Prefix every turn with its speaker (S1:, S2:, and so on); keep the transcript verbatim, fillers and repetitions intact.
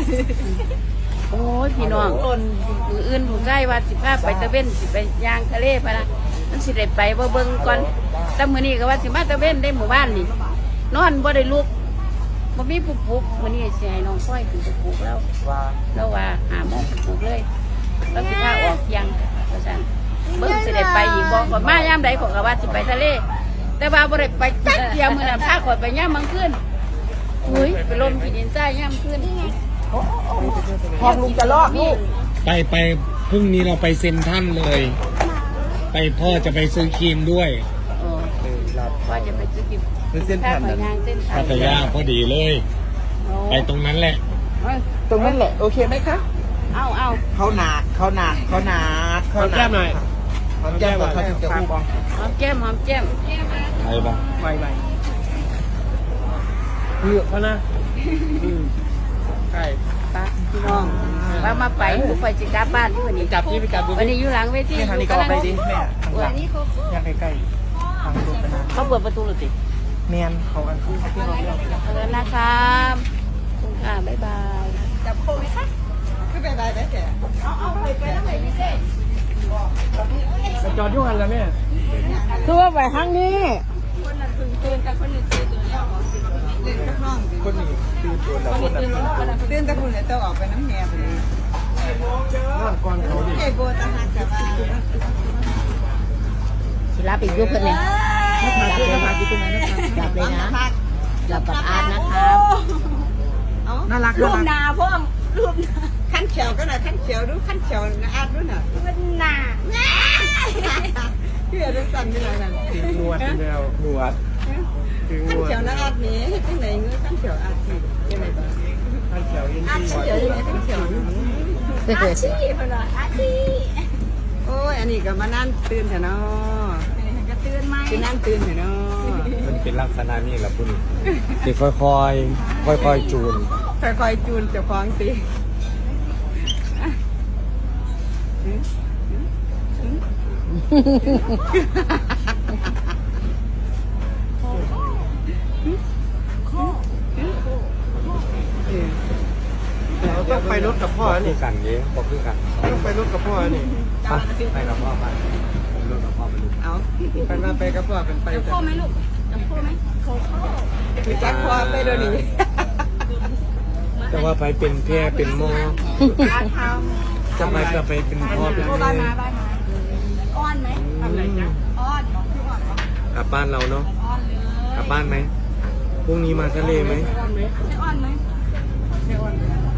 S1: โอ้ยพี่น้องมืออื่นผมได้ว่าสิพาไปตะเวนสิไปย่างทะเลพะนะมันสิได้ไปบ่เบิ่งก่อนแต่มื้อนี้ก็ว่าสิมาตะเวนได้หมู่บ้านนี่นอนบ่ได้ลุกบ่มีผู้ปลุกมื้อนี้สิให้น้องค่อยขึ้นไปปลุกแล้วแล้วว่าหาโมงปลุกเลยแล้วสิพาออกเที่ยงว่าซั่นเบิ่งสิได้ไปอีกบ่ก็มายามใดก็ว่าสิไปทะเลแต่ว่าบ่ได้ไปจักเที่ยมื้อนั้นพาข่อยไปยามมื้อคืนอุ้ยไปลมที่ดินทรายยามคืนนี่ไง
S2: พองลุงจะลอกลูก
S3: ไปไปพรุ่งนี้เราไปเซ็นทรัลเลย ไปพ่อจะไปซื้อครีมด้วย
S1: พ่อจะไปซื้อครีม
S2: เส้นผ่าน
S3: พัทยาพอดีเลยไปตรงนั้นแหละ
S2: ตรงนั้นแหละโอเคไหมคะ
S1: เอาเอา
S2: เขาหนักเขาหนักเขาหนัก
S3: เขาแก้มหน่อย
S2: เขาแก้มก่อนเขาถึงจะพูด
S1: หอมแก้มหอมแก้ม
S3: ไปบ้าง
S2: ไปไป
S3: เยอะเขานะ
S2: ใช่
S1: ป้าพี่น้องว่ามาไปผู้ไปจิกาบ้านที่วันนี้
S3: จับที่ไปจับ
S1: วันนี้อยู่หลังเวที
S2: ทางนี้ก็ไปดิแม่ทางนี้เขายังใกล้ๆทางตัวไปนะ
S1: เขาเปิดประตูหรือติ
S2: แมนเขาอันคู่ที่เราเรียก
S1: เออนะครับคุณค่ะบ๊ายบาย
S2: จับโค้งไหมคะคือบ๊ายบายได้แต่เอาเอาไปไปแล้วไหนนี่เ
S3: ด้จอดยุ่งกันแล้วแม่
S2: คือว่าไปทางนี้
S1: คนนั้นตื่นตื่นกันคนนี้ตื่นตื่นแล้ว
S2: เล่นกับน้องคนนี้ตื่นตัวแล้วคนนั้นตื่นแต่คนนี้ต้องออกไปน้ำแง่ไปเลยนั่งก่อนเขาดิเอโบตาหักกับว่า
S1: ศิลาปิดยุบเพื่อนเลย
S2: หลับเลยนะหลับเลยนะ
S1: หลับกับอาร์ตนะครับ
S2: น่ารัก
S1: รูปนาพ่อรูป
S2: ขั้นเขียวก็หน่อยขั้นเขียวดูขั้นเขียวนะอาร์ตดูหน่อย
S1: มันหนา
S2: พี่อาร์ตสั่นไปเลยนั่น
S3: ถึงนวดแล้วนวด
S2: ขั้นเขียวนะอาร์ตนี้ที่ไหนเงื้อขั้นเขียวอาร์ตที่ยังไงบ้าง
S3: ขั้นเขียวยินดี
S2: ขั้นเขียวยังไงขั้นเขียว
S1: อาชีพเหรออาชีพ
S2: โอ้ยอันนี้ก็มานั่นตื่นเถอะเนาะ
S1: ก็ตื่นไหม
S2: คือนั่นตื่นเถอะเนาะ
S3: มันเป็นลักษณะนี้แหละคุณที่ค่อยค่อยค่อยค่อยจูน
S2: ค่อยๆจูนเจ้าของสิเราต้องไปรถกับพ่อนี่
S3: กันเยอะบอกคือกัน
S2: ต้องไปรถกับพ่อนี่
S3: ไปกับพ่อไปรถกับพ่อไปลูก
S2: เอาไปมาไปกับพ่อเป็นไป
S1: จะพ่อไหมลูกจะพ่อไหมโคโค่
S2: คือจักพ่อไปโดนนี่
S3: แต่ว่าไปเป็นแพร่เป็นหม้อจะไปก็ไปเป็นพ่อเป็นแม่
S1: อ้อนไหมทำไรจ๊ะอ้อน
S3: กลับบ้านเราเนาะกลับบ้านไหมพรุ่งนี้มาทะเลไหม
S1: ไม่อ้อนไหมไม่อ้อนไหม